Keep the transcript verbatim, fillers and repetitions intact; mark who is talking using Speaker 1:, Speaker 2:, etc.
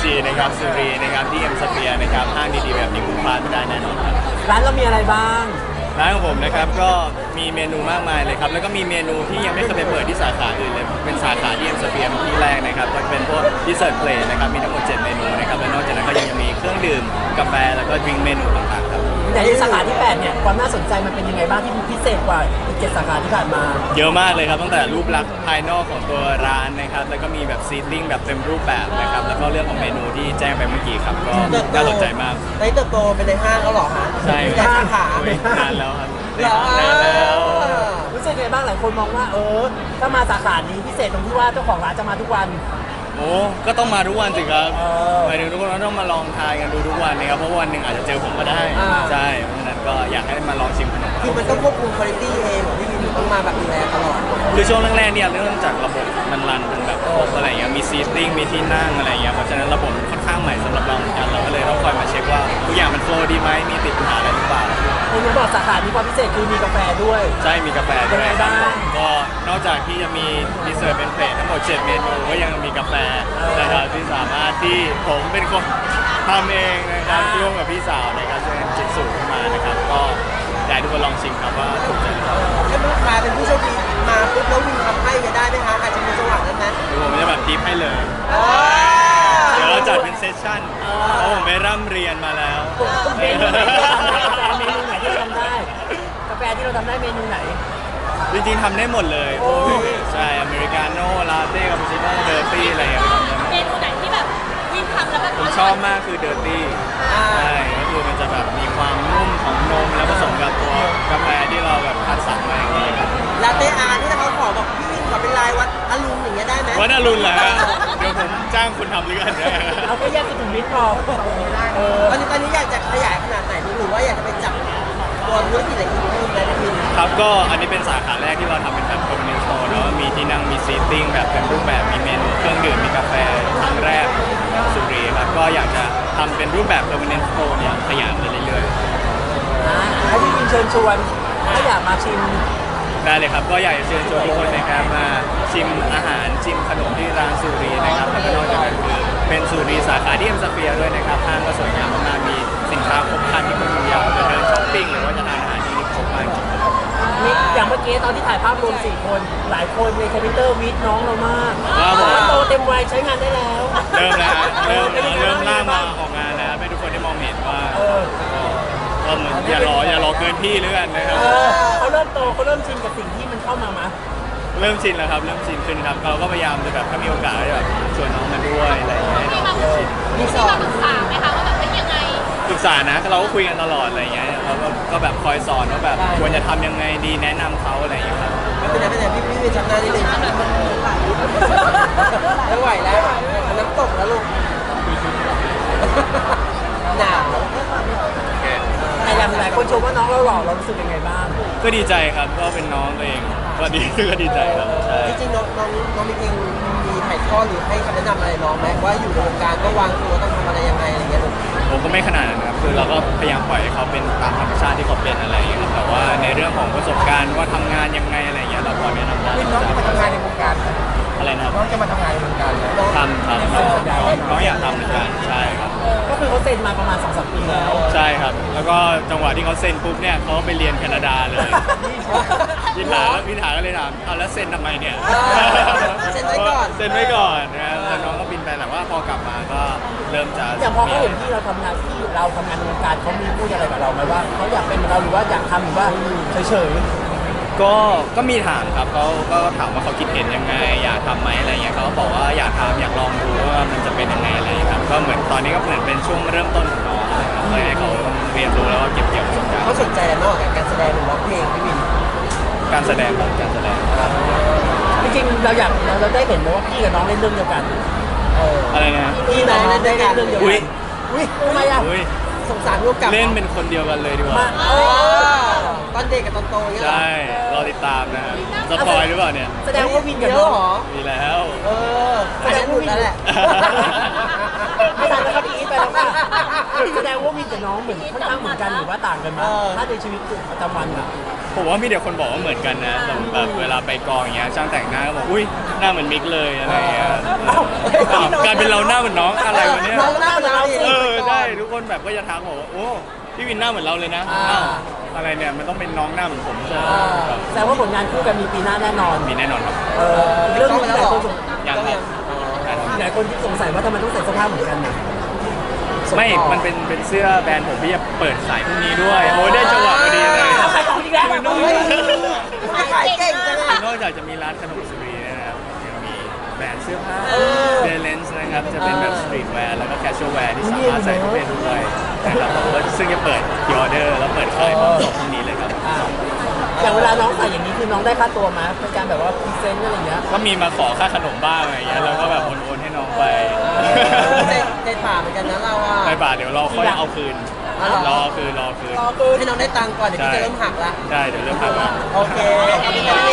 Speaker 1: จีนะครับสุรีนะครับที่เอ็มสเปียร์นะครับห้างดีๆแบบนี้คุณพลาดไม่ได้แน่นอนครับ
Speaker 2: ร้านเรามีอะไรบ้าง
Speaker 1: ร้านของผมนะครับก็มีเมนูมากมายเลยครับแล้วก็มีเมนูที่ยังไม่เคยไปเปิดที่สาขาอื่นเลยเป็นสาขาที่เอ็มสเปียร์ที่แรกนะครับก็เป็นพวกดิเซอร์ทเพลทนะครับมีทั้งหมดเจ็ดเมนูนะครับและนอกจากนั้นก็ยังมีเครื่องดื่มกาแฟแล้วก็ดริงก์เมนูต่างๆครับ
Speaker 2: แต่ที่สาขาที่แปดเนี่ยความน่าสนใจมันเป็นยังไงบ้างที่พิเศษกว่าอีกเจ็ดสาขาที่ผ่านมา
Speaker 1: เยอะมากเลยครับตั้งแต่รูปลักษณ์ภายนอกของตัวร้านนะครับแล้วก็มีแบบซีทติ้งแบบเต็มรูปแบบนะครับแล้วก็เรื่องของเมนูที่แจ้งไปเมื่อกี้ครับก็น่าสนใจมาก
Speaker 3: ได้เติบโตเป็นในห้างแล้วหรอฮะ
Speaker 1: ใช่
Speaker 3: แต่สาขา
Speaker 1: โอ้ยนานแล้วครับ
Speaker 3: เหรอน
Speaker 1: านแล้ว
Speaker 2: รู้สึกไงบ้างหลายคนมองว่าเออถ้ามาสาขานี้พิเศษตรงที่ว่าเจ้าของร้านจะมาทุกวัน
Speaker 1: โอ้ก็ต้องมาทุกวันสิครับ
Speaker 2: เออ
Speaker 1: หมายถึงทุกคนก็ต้องมาลองทานกันดูทุกวันนะครับเพราะวันหนึ่งอาจจะเจอผมก็ได้
Speaker 2: อ่า
Speaker 1: ใช่เพราะฉะนั้นก็อยากให้มาลองชิมขนม
Speaker 3: คือมันต้องควบคุมคุณภาพเองพี่วินต้องมาแบบดูแลตลอด
Speaker 1: คือช่วงแรกๆเนี่ยเรื่องจากระบบมันรันเป็นแบบระบบอะไรเงี้ยมีซีทติ้งมีที่นั่งอะไรเงี้ยเพราะฉะนั้นระบบค่อนข้างใหม่สำหรับเราเหมือนกันเราก็เลยต้องคอยมาเช็คว่าทุกอย่างมันโฟล์ดีไหมมีติดปัญหาอะไรหรือเปล่า
Speaker 2: คุณบอกสาขานี้ความพิเศษคือมีกาแฟด้วย
Speaker 1: ใช่มีกาแฟด้วย
Speaker 2: ยังไงบ้าง
Speaker 1: ก็นอกจากที่จะมีดีเซอร์เป็นเพลททั้งหมดเจ็ดเมนูก็ยังมีกาแฟนะครับที่สามารถที่ผมเป็นคนทำเองนะครับร่วมกับพี่สาวนะครับช่วยกันคิดสูตรขึ้นมานะครับก็อยากให้ทุกคนลองชิมครับว่าถูกใจหรือเปล่า
Speaker 3: ถ้าลูกค้าเป็นผู้โชคดีมาปุ๊บแล้ววินทำให้จะได้ไหมคะอาจจะมีจังหวะนั้นนะ
Speaker 1: เดี๋ยวผมจะแบบทิปให้เลย เดี๋ยวเราจัดเป็นเซสชั่นเพราะผมไปร่ำเรียนมาแล้ว
Speaker 2: เมนูไหนที่เราทำได้กาแฟเมนูไหนที่เราทำได้กาแฟที่เราทำได้เมนูไหน
Speaker 1: จริงๆทำได้หมดเลยใช่อเมริกาโน่ลาเต้คาปูชิโน่เดอร์ตี้อะไรอย่างเงี้ย
Speaker 4: เมนูไหนที่แบบวินทำแล้วแบบ
Speaker 1: ผมชอบมากคือเดอร์ตี้ใช่ก็คือมันจะแบบมีความนุ่มของนมแล้วผสมกับตัวกาแฟที่เราแบบคัดสรรมาอย่างนี้ครับ
Speaker 3: ลาเต้อาร์ที่ถ้าเขาขอบอกพี่วินขอเป็นลายวัดอรุณอย่างเงี้ยได้ไหม
Speaker 1: วัดอรุณเหรอฮะเดี๋ยวผมจ้างคุณทำเรื่องนะ
Speaker 2: เอาแค่แยกสุขุมวิทพอเออ
Speaker 3: ตอนนี้ตอนนี้อยากจะขยายขนาดไหนหรือว่าอยากจะไปจับตัวธุรกิจอะไรอีกเพิ่มไหมพี่วิน
Speaker 1: ครับก็อันนี้เป็นสาขาแรกที่เราทำเป็นแบบคอมมิวนิสต์โตร์เนาะมีที่นั่งมีซีทติ้งแบบเต็มรูปแบบมีเมนูเครื่องดื่มมีกาแฟครั้งแรกสุรีครับก็อยากจะทำเป็นรูปแบบคอมมิวนิสต์โตร์เนี่ยขยายไปเรื่อย
Speaker 2: นะให้พี่วินเชิญชวนถ้าอยากมาชิม
Speaker 1: ๆได้เลยครับก็อยากจะเชิญชวนทุกคนนะครับมาชิมอาหารชิมขนมที่ร้านสุรีนะครับแล้วก็นอกจากนั้นคือเป็นสุรีสาขาที่เอ็มสเปียร์ด้วยนะครับห้างก็สวยงามมากๆมีสินค้าครบครันที่คุณอยากจะเดินช้อปปิ้งหรือว่าจะทานอาหารที่นี่ครบมากจริง
Speaker 2: มีอย่างเมื่อกี้ตอนที่ถ่ายภาพรวมสี่คน หลายคนในคอมพิวเตอร์วิทน้องเรามาก
Speaker 1: ครับผม
Speaker 2: โตเต็มวัยใช้งานได้แล้ว
Speaker 1: เริ่มแล้วฮะเริ่ม
Speaker 2: ป็นยังไง
Speaker 1: เริ่ม
Speaker 2: บ้
Speaker 1: ล่างมา
Speaker 2: ง
Speaker 1: ออกงานแล้วให้ทุกคนได้มองเห็นว่า
Speaker 2: เออ
Speaker 1: ก็เหมือนอย่ารออย่ารอเกินพี่เลื่อนนะครับ
Speaker 2: เออเขาเริ่มโตเขาเริ่มชินกับสิ่งที่มันเข้ามามา
Speaker 1: เริ่มชินแล้วครับเริ่มชินขึ้นครับเราก็พยายามจะแบบถ้ามีโอกาสจะแบบชวนน้องมาด้วยอะไรอย่างเงี้ยให้น้องได้ชิน
Speaker 3: มีส
Speaker 4: มี
Speaker 3: อ
Speaker 4: มาง ปรึกษาไหมคะว่าแบบเป็นยังไง
Speaker 1: ปรึกษานะเราก็คุยกันตลอดอะไรอย่างเงี้ยเราก็ก็แบบคอยสอนว่าแบบควรจะทำยังไงดีแนะนำเขาอะไรอย่างเงี้ยครับ
Speaker 3: ไม่เป็นไรไม่เป็นไรพี่พี่วินทำหน้านิดนึงไม่ไหวแล้วน้ำตกแล้วลูกหนาว
Speaker 1: โอเค
Speaker 2: แต่อย่างหลายคนชมว่าน้องเราหล่อเรารู้สึกยังไงบ้าง
Speaker 1: ก็ดีใจครับก็เป็นน้องตัวเองก็ดี ก็ดีใจครับใช่
Speaker 3: จริงๆน้องน้องน้องมีเองมีถ่ายทอดหรือให้คำแนะนำอะไรน้องไหมว่าอยู่ในวงการก็วางตัวต้องทำอะไรยังไงอะไรเงี้ยลูก
Speaker 1: ผมก็ไม่ขนาดนั้นครับคือเราก็พยายามปล่อยให้เขาเป็นตามธรรมชาติที่เขาเป็นอะไรอย่างเงี้ยครับแต่ว่าในเรื่องของประสบการณ์ว่าทำงานยังไงอะไรอย่างเงี้ยเราพอแนะนำได้
Speaker 3: น้องจะมาทำงานในวงการ
Speaker 1: อะไรนะครับ
Speaker 3: น้องจะมาทำงานในวงการ
Speaker 1: ทำทำทำน้องอยากทำเหมือนกันใช่ครับ
Speaker 2: ก็คือเขาเซ็นมาประมาณสองสามปีแล้ว
Speaker 1: ใช่ครับ แล้วก็จังหวะที่เขาเซ็นปุ๊บเนี่ยเขาไปเรียนแคนาดาเลยพี่ถาพี่ถาก็เลยถามเอาแล้วเซ็นทำไมเนี่ย
Speaker 3: เซ็นไว้ก่อน
Speaker 1: เซ็นไว้ก่อนนะแล้วน้องก็บินไปแต่ว่าพอกลับมาก็เริ่มจะ
Speaker 2: อย่างพอเขาเห็นที่เราทำงานที่เราทำงานในวงการเขามีพูดอะไรกับเราไหมว่าเขาอยากเป็นเหมือนเราหรือว่าอยากทำหรือว่าเฉย
Speaker 1: ก็ก็มีถามครับเขาก็ถามว่าเขาคิดเห็นยังไง อยากทำไหมอะไรเงี้ยเขาก็บอกว่าอยากทำอยากลองดูว่ามันจะเป็นยังไงอะไรครับก็เหมือนตอนนี้ก็เหมือนเป็นช่วงเริ่มต้นของน้องนะครับเลยให้เขาเรียนรู้แล้วก็เก็บเกี่ยวประสบการณ์
Speaker 3: เขาสนใจอะไรนอกจากการแสดงหรือร้องเพลงพี่วิน
Speaker 1: การแสดงครับการแสดง
Speaker 2: ๆจริงๆเราอยากเราได้เห็นไหมว่าพี่กับน้องเล่นเรื่องเดียวกัน
Speaker 3: เออ
Speaker 1: อะไรนะ
Speaker 2: พี่น้องเล่นเรื่องเดียว
Speaker 1: อุ้
Speaker 2: กั
Speaker 1: ย
Speaker 2: นอุ้ยทำไมอ่ะ
Speaker 1: อุ้ย
Speaker 3: สงสารร่วมกับ
Speaker 1: เล่นเป็นคนเดียวกันเลยดีกว่า
Speaker 2: มา
Speaker 3: เออตอนเด็กกับตอนโตอย่างเงี้ยเหรอ
Speaker 1: ใช่รอติดตามนะครับสปอยหรือเปล่าเนี่ย
Speaker 2: แสดงว่าวินกับ
Speaker 3: เย
Speaker 2: น้
Speaker 3: อะ
Speaker 2: อง
Speaker 3: เหรอ
Speaker 1: มีแล้ว
Speaker 3: เออแสดงว่าวินแล้วแหละ
Speaker 2: ไม่ทันแล้วครับพี่อีทแล้วค่ะแสดงว่าวินกับน้องเหมือนค่อนข้างเหมือนกันหรือว่าต่างกันไหมถ้าในชีวิตประจำวันอ่ะ
Speaker 1: ผมว่ามีเดี๋ยวคนบอกว่าเหมือนกันนะแบบแบบเวลาไปกองอย่างเงี้ยช่างแต่งหน้าก็บอกอุ้ยหน้าเหมือนมิกเลยอะไรอย่างเงี้ย
Speaker 2: เอ้า
Speaker 1: อ้าวกลายเป็นเราหน้าเหมือนน้องอะไรวะเนี่ย
Speaker 3: น้องหน้าเหมือนเราสิ
Speaker 1: เออใช่ทุกคนแบบก็จะทักบอกว่าโอ้พี่วินหน้าเหมือนเราเลยนะ
Speaker 2: อ่า
Speaker 1: อ้าวอะไรเนี่ยมันต้องเป็นน้องหน้าเหมือนผมใช่ไหมครับ
Speaker 2: แสดงว่าผลงานคู่กันมีปีหน้าแน่นอน
Speaker 1: มีแน่นอนครับ
Speaker 2: เอออีกเรื่องหนึงที่หลายคนสง
Speaker 1: ยังครับ
Speaker 2: หลายคนที่สงสัยว่าทำไมต้องใส่เสื้อผ้าเหมือนกันน่ะ
Speaker 1: ไม่ มันเป็นเป็นเสื้อแบรนด์ผมที่จะเปิดขายพรุ่งนี้ด้วยโอ้ยได้จังหวะพอดีเลย
Speaker 2: เอาใครของอีกแล้ว
Speaker 3: เฮ้ยไม่ขายเก่งจังอะ
Speaker 1: นอกจากจะมีร้านขนมสุรีนะครับยังมีแบรนด์เสื้อผ้าเบลเลนส์นะครับจะเป็นแบบสตรีทแวร์แล้วก็แคชชวลแวร์ที่สามารถใส่ทุกเพศทุกวัยนะครับแล้วซึ่งจะเปิดพรีออเดอร์แล้วเปิดขายพร้อมส่งพรุ่งนี้เลยครับ
Speaker 2: อ่าอย่างเวลาน้องใส่อย่างนี้คือน้องได้ค่าตัวไหมเป็นการแบบว่าพรีเซนต์อะไรอย่างเงี้ย
Speaker 1: ก็มีมาขอค่าขนมบ้างอะไรอย่างเงี้ยแล้วก็แบบโอนๆให้น้องไป
Speaker 3: เจ็ดเจ็ดป่าเหมือนกันนะเราอ่ะ
Speaker 1: ในบาทเดี๋ยวเราค่อยเอาคืน
Speaker 3: อ๋อเหรอ
Speaker 1: รอคืนรอคืน
Speaker 2: รอคืน
Speaker 3: ให้น้องได้ตังค์ก่อนเดี๋ยวพี่จะเริ่มหักละ
Speaker 1: ใช่เดี๋ยวเริ่มหักแล้ว
Speaker 3: โอเคขอบคุณครับ